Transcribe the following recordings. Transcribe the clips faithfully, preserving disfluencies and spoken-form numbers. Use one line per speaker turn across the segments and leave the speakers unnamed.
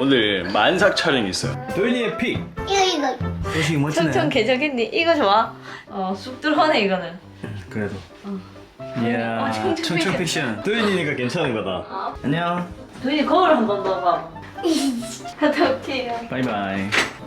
오늘 만삭 촬영이 있어요. 도윤이의 픽.
이거 이거
도식이 멋지네.
청청 개적했니? 이거 좋아? 어, 쑥 들어가네 이거는.
그래도.
어.
이야,
어, 청청
청청 픽션. 도윤이니까 괜찮은 거다.
어.
안녕.
도윤이 거울 한번 넣어봐. 갔다 올게요.
바이바이.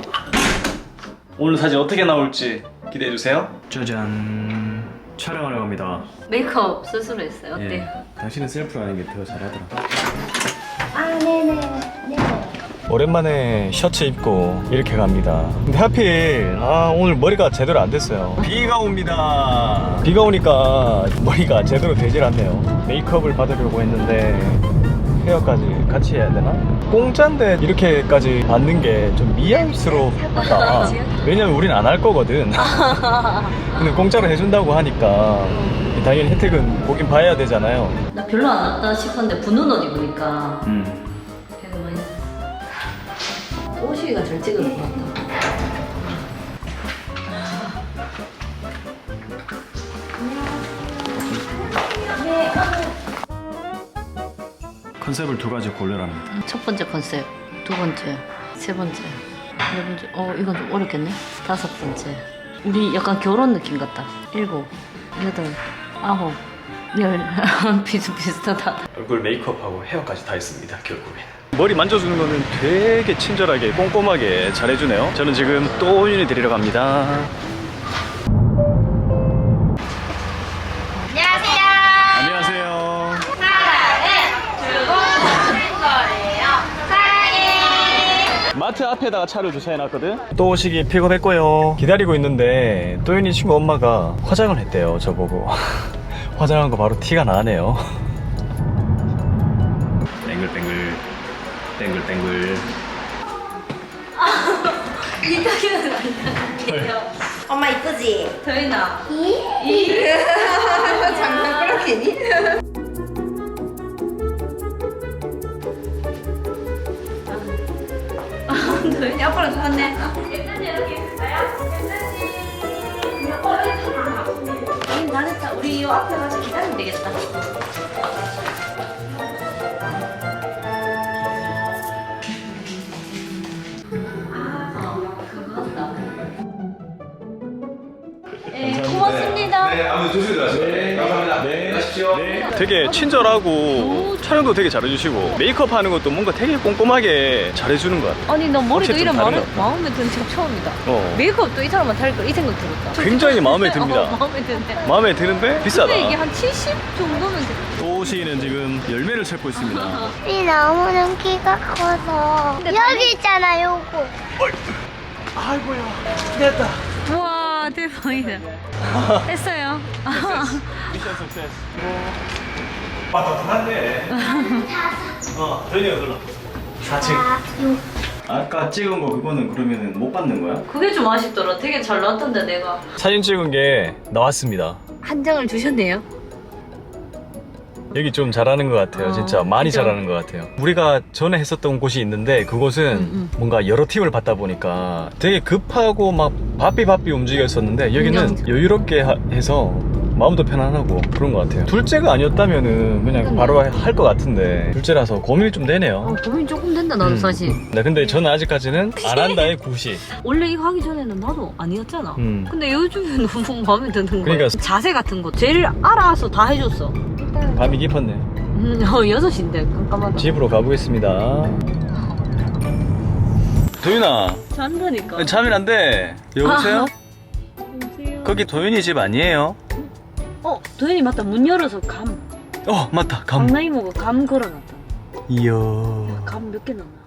오늘 사진 어떻게 나올지 기대해 주세요. 짜잔. 촬영하러 갑니다.
메이크업 스스로 했어요. 어때요?
예. 당신은 셀프로 하는 게 더 잘하더라.
아 네네 네.
오랜만에 셔츠 입고 이렇게 갑니다. 근데 하필 아 오늘 머리가 제대로 안 됐어요. 비가 옵니다. 비가 오니까 머리가 제대로 되질 않네요. 메이크업을 받으려고 했는데 헤어까지 같이 해야 되나? 공짜인데 이렇게까지 받는 게 좀 미안스럽다. 왜냐면 우린 안 할 거거든. 근데 공짜로 해준다고 하니까 당연히 혜택은 보긴 봐야 되잖아요.
나 별로 안 왔다 싶었는데 붙는 옷 입으니까
음.
배가 많이 오시기가 잘 찍을 것 같다.
컨셉을 두 가지 고려합니다.
첫 번째 컨셉, 두 번째, 세 번째, 네 번째. 어 이건 좀 어렵겠네. 다섯 번째. 우리 약간 결혼 느낌 같다. 일곱, 여덟, 아홉, 열. 비슷비슷하다.
얼굴 메이크업하고 헤어까지 다 했습니다. 결국엔 머리 만져주는 거는 되게 친절하게 꼼꼼하게 잘해주네요. 저는 지금 또윤이 데리러 갑니다.
안녕하세요.
안녕하세요. 마트 앞에다가 차를 주차해놨거든. 또 오시기 픽업했고요. 기다리고 있는데 또윤이 친구 엄마가 화장을 했대요. 저보고 화장한 거 바로 티가 나네요. 뱅글뱅글 뱅글뱅글.
이 가게는 아니야.
엄마 이쁘지?
도윤아.
이?
이.
장난 그렇게니?
도윤이 아빠랑 똑같네. 괜찮지? 이렇게 있을까요? 괜찮지? 우린 다 됐다. 우리 이 앞에 가서 기다리면 되겠다. 네, 고맙습니다.
네, 아무튼 조심히 들어가세요.
네,
감사합니다.
네.
가십시오.
네. 되게 친절하고 촬영도 되게 잘해주시고 메이크업 하는 것도 뭔가 되게 꼼꼼하게 잘해주는 것 같아요.
아니 나 머리도
확실히
이런
좀
마음에,
다른 것 같아.
마음에 드는 적 처음이다.
어.
메이크업도 이 사람한테 할 걸 이 생각 들었다.
굉장히 마음에 듭니다.
어, 마음에 드는데.
마음에 드는데 비싸다.
근데 이게 한 칠십 정도면 돼.
또시는 지금 열매를 찾고 있습니다.
이 나무는 키가 커서 여기 있잖아 요거.
아이고야 됐다.
우와 대박이다. 했어요.
미션 석세스. 빠듯한데. 어, 저희가 불러. 사 층. 아까 찍은 거 그거는 그러면은 못 받는 거야?
그게 좀 아쉽더라. 되게 잘 나왔던데 내가.
사진 찍은 게 나왔습니다.
한 장을 주셨네요.
여기 좀 잘하는 것 같아요.
어,
진짜 많이
진짜?
잘하는 것 같아요. 우리가 전에 했었던 곳이 있는데 그곳은
음, 음.
뭔가 여러 팀을 받다 보니까 되게 급하고 막 바삐 바삐 움직였었는데 여기는
인정.
여유롭게 하- 해서 마음도 편안하고 그런 것 같아요. 둘째가 아니었다면은 그냥
음.
바로 할 것 같은데 둘째라서 고민이 좀
어,
되네요.
고민 조금 된다 나도
음.
사실.
네, 근데 저는 아직까지는 안 한다의 구시.
원래 이거 하기 전에는 나도 아니었잖아.
음.
근데 요즘에 너무 마음에 드는 거야.
그러니까-
자세 같은 거 제일 알아서 다 해줬어.
밤이 깊었네.
음, 어, 여섯 시인데 깜깜하다.
집으로 가보겠습니다. 도윤아,
잔다니까.
자면 안 돼. 여보세요?
여보세요?
거기 도윤이 집 아니에요?
어, 도현이 맞다. 문 열어서 감.
어, 맞다. 감.
강나이모가 감 걸어놨다.
이야.
감 몇 개 남나?